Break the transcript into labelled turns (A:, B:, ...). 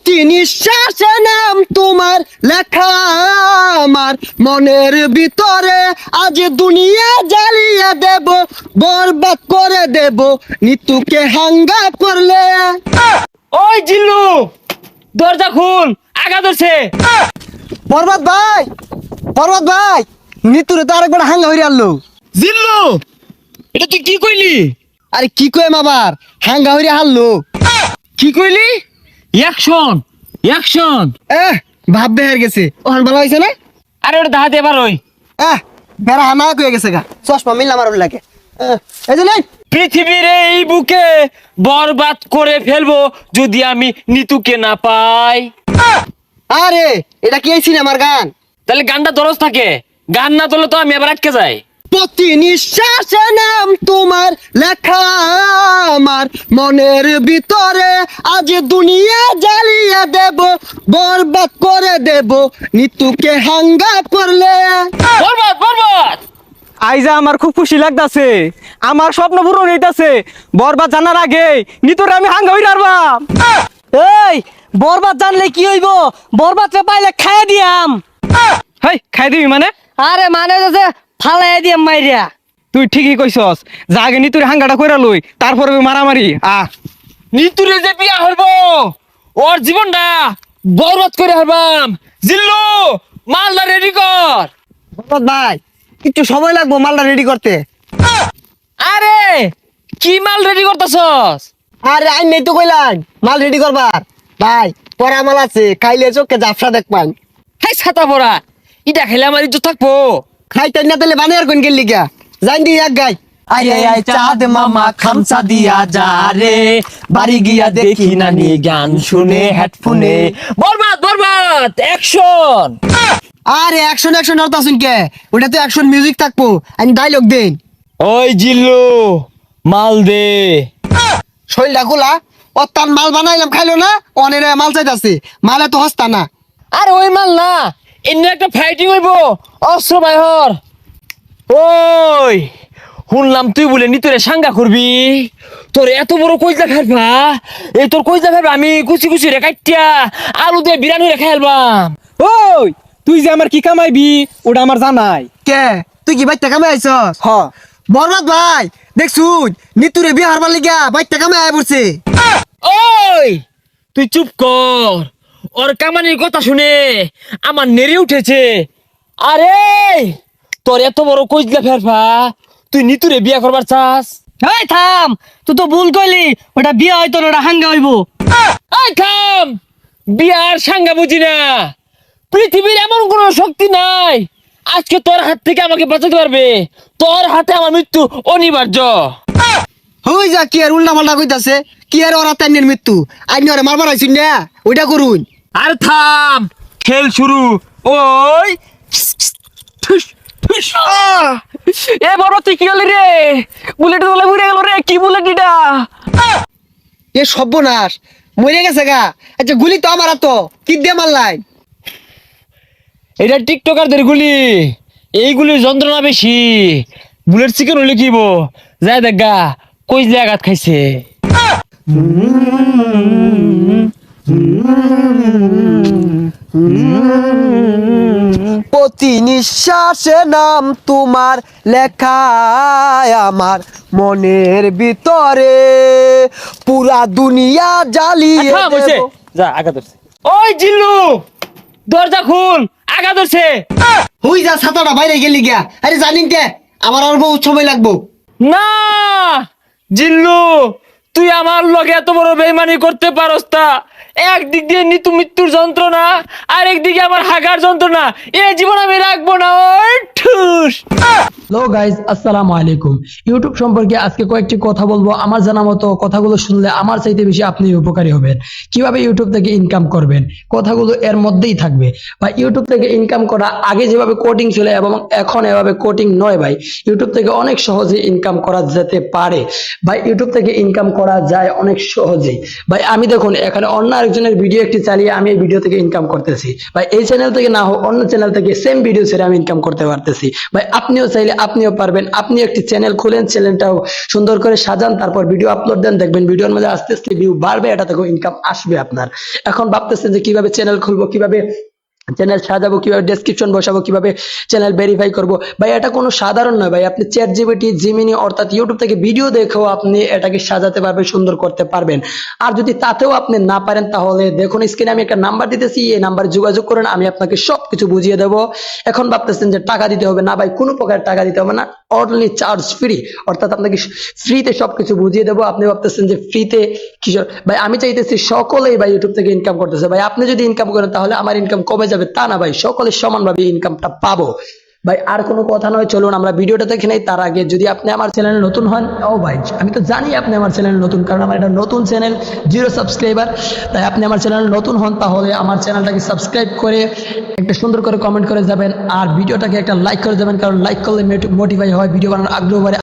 A: প্রতি নিঃশ্বাসে নাম তোমার লেখা আমার মনের ভিতরে, আজ দুনিয়া জ্বালিয়ে দেব, বরবাদ করে দেব নিতুকে হাঙ্গা করলে।
B: ওই জিল্লু, দরজা খুল, আগা ধরছে।
A: বরবাদ ভাই, বরবাদ ভাই, নিতুরে তো আরেকবার হাঙ্গা হইরে আনলো।
B: জিল্লু, এটা তুই কি কইলি?
A: আরে কি কইম আবার, হাঙ্গা হইরে হারলো।
B: কি কইলি? Action, action.
A: ভাব বেহার গেছে, ওখান ভালো হয়েছে না?
B: আরে ওটা দাহাতে এবার ওই
A: বেড়া হানা হয়ে গেছে গা, চশমা মিললাম আর লাগে। এই যে নাই,
B: পৃথিবীর এই বুকে বরবাদ করে ফেলবো যদি আমি নিতুকে না পাই।
A: আরে এটা কি এই সিনেমার গান?
B: তাহলে গানটা দরজ থাকে, গান না তোলে তো আমি আবার আটকে যাই।
A: প্রতি নিঃশ্বাসে নাম তোমার লেখা আমার মনের ভিতরে, আজ দুনিয়া জ্বালিয়ে দেব, বরবাদ করে দেব নিতুকে হাঙ্গা করলে।
B: বরবাদ, বরবাদ।
C: আইজা আমার খুব খুশি লাগতাছে, আমার স্বপ্ন পূরণ হইতাছে। বরবাদ জানার আগে নিতরে আমি হাঙ্গা হই রারবাম। এই বরবাদ জানলে কি হইব? বরবাদরে পাইলে খাইয়া দিয়াম। হেই, খাই দিবি মানে? আরে মানে যে ফালাই দিয়াম মাইরিয়া। তুই ঠিকই কইছস, যা আগে নিতুরে হাঙ্গাটা কইরা লই, তারপরে মারামারি।
B: নিতুরে যে বিয়া হইব, ওর জীবনটা বরবাদ করে হারবাম। জিল্লু, মালদা রেডি কর।
A: বরবাদ ভাই, একটু সময় লাগবো মালটা রেডি করতে।
B: আরে কি মাল রেডি করতেছস?
A: আরে আই নেই তো কইলাম মাল রেডি করবার। ভাই পরা মাল আছে, খাইলে চোখে জাফসা দেখ পান।
B: হাই ছাতা পড়া, ইটা খেলে আমার ইজ্জত থাকবো।
A: খাইতে না তাহলে বানিয়ার কোন গেলি গা, জান দি এক গাই।
D: আয় আয় আয় চাঁদ মামা খামসা দিয়া যা রে, বাড়ি গিয়া দেখি নানি গান শুনে হেডফোনে।
B: বরবাদ, বরবাদ, অ্যাকশন।
A: আরে অ্যাকশন অ্যাকশন আর তাসুন কে, ওটা তো অ্যাকশন মিউজিক থাকবো, আমি ডায়লগ দেন।
B: ওই জিল্লু, মাল দে।
A: শৈলটা খোলা, ও তার মাল বানাইলাম খাইলো না, অনের মাল চাইতাছে, মালে তো হস্তা না।
B: আরে ওই মাল না, এমনি একটা ফাইটিং হইব, অস্ত্র বাইহর। ওই শুনলাম তুই বলে নিতরে সাঙ্গা করবি, তোর এত বড় কইজা ফেলবা, এই তোর কইজা ফেলবা আমি কুচি কুচি রে কাটিয়া আলু দিয়ে বিরানি রে খাইলবাম।
C: ওই তুই যে আমার কি কামাইবি ওটা আমার জানাই।
A: কে তুই কি বাইতে কামে আইছস?
C: হ,
A: বরবাদ ভাই দেখছুন নিতুরে বিয়ে হারবার লিগা বাইতে কামে আয় পড়ছে।
B: ওই তুই চুপ কর, ওর কামানির কথা শুনে আমার নেড়ে উঠেছে। আরে তোর এত বড় কইজা ফেলবা, তুই নিতুরে বিয়া করবার চাস?
C: এই থাম, তুই তো ভুল কইলি, ওটা বিয়া হইতো না, ওটা হাঙ্গা হইব।
B: এই থাম, বিয়ার সাঙ্গা বুঝি না। পৃথিবীর এমন কোন শক্তি নাই আজকে তোর হাত থেকে আমাকে বাঁচাতে পারবে। তোর হাতে আমার মৃত্যু অনিবার্য।
A: হই যা কি আর উল্টা পাল্টা কইতাছে, কি আর ওরা তাইনের মৃত্যু, আইনি ওরে মারবার আইছুন না, ওইটা করুন।
B: আর থাম, খেল শুরু। ওই ঠুস, ঠুস।
C: এ বড় তুই কি হলি রে? বুলেট তোলা ঘুরে গেল রে, কি বুলেট এটা?
A: এ সর্বনাশ, মরে গেছে গা। আচ্ছা গুলি তো আমার তো কি দিয়ে মারলাই?
B: এটা টিকটকারদের গুলি, এইগুলির যন্ত্রণা বেশি। বুলেট চিকেন হলে কিব যায় দেখ গা, কইজলে আঘাত খাইছে।
A: প্রতি নিঃশ্বাসে নাম তোমার লেখা আমার মনের ভিতরে, পুরা দুনিয়া জ্বালিয়ে
B: থাম, হইছে।
A: দেব।
B: যা আঘাত ধরছে। ওই জিল্লু, দরজা খুল, আঘাত ধরছে।
A: হই যা ছাতাটা বাইরে গেলি গিয়া। আরে জানিন কে আমার আর বহু সময় লাগবো।
B: না জিল্লু, তুই আমার লগে এত বড় বেইমানি করতে পারস তা? একদিক দিয়ে নিতু মৃত্যুর যন্ত্রণা, আর একদিকে আমার হাগার যন্ত্রণা, এ জীবন আমি রাখবো না। ওই ঠুস।
E: হ্যালো গাইজ, আসসালামু আলাইকুম। ইউটিউব সম্পর্কে আজকে কয়েকটি কথা বলবো। আমার জানা মতো কথাগুলো শুনলে আমার চাইতে বেশি আপনি উপকারী হবেন। কিভাবে ইউটিউব থেকে ইনকাম করবেন, কথাগুলো এর মধ্যেই থাকবে। বা ইউটিউব থেকে ইনকাম করা আগে যেভাবে কোডিং ছিল এবং এখন এভাবে কোডিং নয় ভাই। ইউটিউব থেকে অনেক সহজে ইনকাম করা যেতে পারে ভাই, ইউটিউব থেকে ইনকাম করা যায় অনেক সহজেই ভাই। আমি দেখুন এখানে অন্য আরেকজনের ভিডিও একটি চালিয়ে আমি এই ভিডিও থেকে ইনকাম করতেছি ভাই, এই চ্যানেল থেকে না হোক অন্য চ্যানেল থেকে সেম ভিডিও ছেড়ে আমি ইনকাম করতে পারতেছি ভাই। আপনিও চাইলে আপনিও পারবেন, আপনি একটি চ্যানেল খুলেন, চ্যানেলটাও সুন্দর করে সাজান, তারপর ভিডিও আপলোড দেন, দেখবেন ভিডিওর মধ্যে আস্তে আস্তে ভিউ বাড়বে, এটা থেকেও ইনকাম আসবে আপনার। এখন ভাবতেছেন যে কিভাবে চ্যানেল খুলবো, কিভাবে চ্যানেল সাজাবো, কিভাবে ডেসক্রিপশন বসাবো, কিভাবে চ্যানেল ভেরিফাই করব ভাই, এটা কোনো সাধারণ নয় ভাই। আপনি চ্যাট জিপিটি, জিমিনি অর্থাৎ ইউটিউব থেকে ভিডিও দেখেও আপনি এটাকে সাজাতে পারবেন, সুন্দর করতে পারবেন। আর যদি তাতেও আপনি না পারেন তাহলে দেখুন স্ক্রিনে আমি একটা নাম্বার দিতেছি, এই নাম্বারে যোগাযোগ করেন, আমি আপনাকে সবকিছু বুঝিয়ে দেবো। এখন ভাবতেছেন যে টাকা দিতে হবে, না ভাই কোনো প্রকার টাকা দিতে হবে না, অনলি চার্জ ফ্রি, অর্থাৎ আপনাকে ফ্রিতে সবকিছু বুঝিয়ে দেবো। আপনি ভাবতেছেন যে ফ্রিতে কিশোর ভাই, আমি চাইতেছি সকলেই ভাই ইউটিউব থেকে ইনকাম করতেছে ভাই। আপনি যদি ইনকাম করেন তাহলে আমার ইনকাম কমে যাবে তা না ভাই, সকলে সমানভাবে ইনকামটা পাবো ভাই। আর কোনো কথা নয়, চলুন আমরা ভিডিওটা দেখে নেই। তার আগে যদি আপনি আমার চ্যানেলে নতুন হন, ও ভাই আমি তো জানি আপনি আমার চ্যানেলে নতুন, কারণ আমার এটা নতুন চ্যানেল, 0 সাবস্ক্রাইবার। তাই আপনি আমার চ্যানেলে নতুন হন তাহলে আমার চ্যানেলটাকে সাবস্ক্রাইব করে একটা সুন্দর করে কমেন্ট করে যাবেন, আর ভিডিওটাকে একটা লাইক করে যাবেন, কারণ লাইক করলে মোটিফাই হয়, ভিডিও বানানোর আগ্রহ বাড়ে।